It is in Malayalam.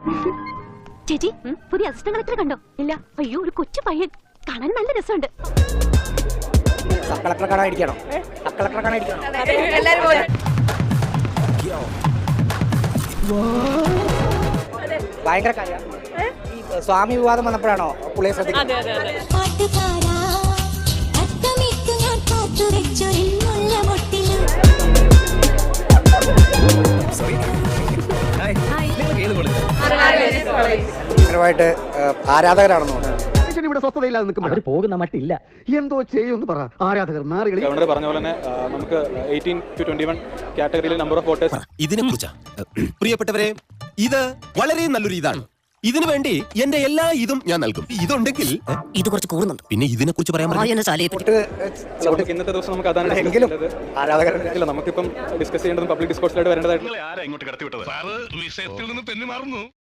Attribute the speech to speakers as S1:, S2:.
S1: ചേച്ചി പുതിയ അസിസ്റ്റന്റ് കളക്ടർ കണ്ടോ? ഇല്ല. അയ്യോ, ഒരു കൊച്ചു പയ്യൻ, കാണാൻ നല്ല രസമുണ്ട്.
S2: സബ് കളക്ടറെ കാണാതിരിക്കണോ? സബ് കളക്ടറെ കാണാതിരിക്കണോ? ഭയങ്കര കാര്യം. ഈ സ്വാമി വിവാദം വന്നപ്പോഴാണോ പുള്ളിയെ ശ്രദ്ധിക്കുന്നത്? ഭയങ്കരമായിട്ട് ആരാധകരാണെന്ന് തോന്നുന്നു.
S3: ഇവിടെ സ്വസ്ഥതയില്ലാതെ നിൽക്കുമ്പോൾ അവർ പോകുന്ന മട്ടില്ല. എന്തോ ചെയ്യുമെന്ന് പറ ആരാധകർ നാറികളി.
S4: ഗവർണർ പറഞ്ഞ പോലെ തന്നെ നമുക്ക് 18 to 21 കാറ്റഗറിയിലെ നമ്പർ ഓഫ് വോട്ടേഴ്സ്.
S5: ഇതിനെ കുറിച്ചാ പ്രിയപ്പെട്ടവരെ, ഇത് വളരെ നല്ലൊരു ഇതാണ്. ഇതിനു വേണ്ടി എന്റെ എല്ലാ ഇതും ഞാൻ നൽകും. ഇതുണ്ടെങ്കിൽ
S6: ഇത് കുറച്ച് കൂടുന്നുണ്ട്.
S5: പിന്നെ ഇതിനെ കുറിച്ച് പറയാൻ
S4: നമുക്ക് ഇന്നത്തെ ദിവസം നമുക്ക് അതാണ്
S2: എങ്കിലും ആരാധകർ
S4: നമുക്കിപ്പം ഡിസ്കസ് ചെയ്യേണ്ടതും പബ്ലിക് ഡിസ്കോഴ്സിലായിട്ട് വരേണ്ടതായിട്ട്.
S7: ആരാ ഇങ്ങോട്ട് കടത്തി വിട്ടത്? വിഷയത്തിൽ നിന്ന് തെന്നി മാറുന്നു.